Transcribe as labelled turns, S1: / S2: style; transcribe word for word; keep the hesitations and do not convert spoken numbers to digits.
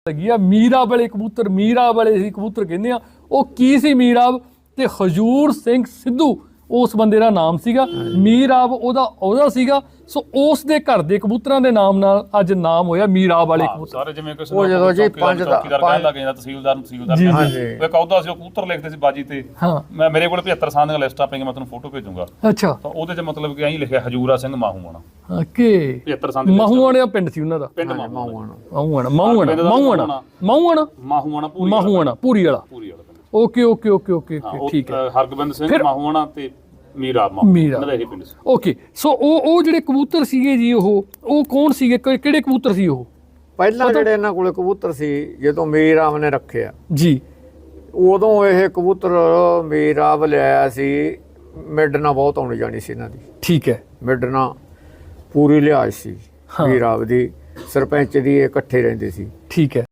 S1: ਲੱਗੀ ਆ ਮੀਰਾਬ ਵਾਲੇ ਕਬੂਤਰ, ਮੀਰਾਬ ਵਾਲੇ ਸੀ ਕਬੂਤਰ ਕਹਿੰਦੇ ਆ। ਉਹ ਕੀ ਸੀ ਮੀਰਾਬ? ਤੇ ਹਜੂਰ ਸਿੰਘ ਸਿੱਧੂ ਉਸ ਬੰਦੇ ਦਾ ਨਾਮ ਸੀਗਾ। ਮੀਰਾਬ ਉਹਦਾ ਉਹਦਾ ਸੀਗਾ। ਸੋ ਉਸ ਦੇ ਘਰ ਦੇ ਕਬੂਤਰਾਂ ਦੇ ਨਾਮ ਨਾਲ ਅੱਜ ਨਾਮ ਹੋਇਆ ਮੀਰਾਬ ਵਾਲੇ ਕਬੂਤਰ।
S2: ਸਾਰੇ ਜਿਵੇਂ ਕਿਸੇ
S3: ਉਹ ਜਦੋਂ ਜੀ ਪੰਜ ਦਾ
S2: ਕਹਿਣ ਲੱਗ ਜਾਂਦਾ ਤਹਿਸੀਲਦਾਰ ਨੂੰ ਤਹਿਸੀਲਦਾਰ ਕਹਿੰਦਾ ਉਹ ਕਹੂਦਾ ਸੀ ਉਹ ਕਬੂਤਰ ਲਿਖਦੇ ਸੀ ਬਾਜੀ ਤੇ।
S1: ਹਾਂ
S2: ਮੈਂ ਮੇਰੇ ਕੋਲ ਪਝੱਤਰ ਸਾਲ ਦੀਆਂ ਲਿਸਟਾਂ ਪਈਆਂ, ਮੈਂ ਤੁਹਾਨੂੰ ਫੋਟੋ ਭੇਜੂੰਗਾ।
S1: ਅੱਛਾ
S2: ਤਾਂ ਉਹਦੇ 'ਚ ਮਤਲਬ ਕਿ ਐਂ ਲਿਖਿਆ ਹਜੂਰਾ ਸਿੰਘ ਮਾਹੂਆਣਾ।
S1: ਓਕੇ
S2: ਪਝੱਤਰ ਸਾਲ ਦੀ
S1: ਮਾਹੂਆਣਾ ਪਿੰਡ ਸੀ ਉਹਨਾਂ ਦਾ।
S2: ਪਿੰਡ ਮਾਹੂਆਣਾ
S1: ਮਾਹੂਆਣਾ ਮਾਹੂਆਣਾ ਮਾਹੂਆਣਾ ਮਾਹੂਆਣਾ
S2: ਮਾਹੂਆਣਾ ਪੂਰੀ
S1: ਮਾਹੂਆਣਾ ਪੂਰੀ ਵਾਲਾ
S2: ਪੂਰੀ ਵਾਲਾ ਪਿੰਡ।
S1: ਓਕੇ ਓਕੇ ਓਕੇ ਓਕੇ ਠੀਕ ਹੈ।
S2: ਹਰਗੋਬਿੰਦ ਸਿੰਘ ਮਾਹੂਆਣਾ ਤੇ ਮੀਰਾਬ ਮਾਹੂਆਣਾ ਇਹੀ ਪਿੰਡ ਸੀ।
S1: ਓਕੇ ਸੋ ਉਹ ਉਹ ਜਿਹੜੇ ਕਬੂਤਰ ਸੀਗੇ ਜੀ ਉਹ ਉਹ ਕੌਣ ਸੀਗੇ, ਕਿਹੜੇ ਕਬੂਤਰ ਸੀ ਉਹ?
S3: ਪਹਿਲਾਂ ਜਿਹੜੇ ਇਹਨਾਂ ਕੋਲੇ ਕਬੂਤਰ ਸੀ ਜਦੋਂ ਮੀਰਾਬ ਨੇ ਰੱਖਿਆ
S1: ਜੀ,
S3: ਉਦੋਂ ਇਹ ਕਬੂਤਰ ਮੀਰਾਬ ਲਿਆਇਆ ਸੀ। ਮਿਡਨਾ ਬਹੁਤ ਆਉਣੀ ਜਾਣੀ ਸੀ ਇਹਨਾਂ ਦੀ।
S1: ਠੀਕ ਹੈ।
S3: ਮਿਡਨਾ ਪੂਰੀ ਲਿਹਾਜ਼ ਸੀ ਮੀਰਾਬ ਦੀ, ਸਰਪੰਚ ਦੀ, ਇਹ ਇਕੱਠੇ ਰਹਿੰਦੇ ਸੀ।
S1: ਠੀਕ ਹੈ।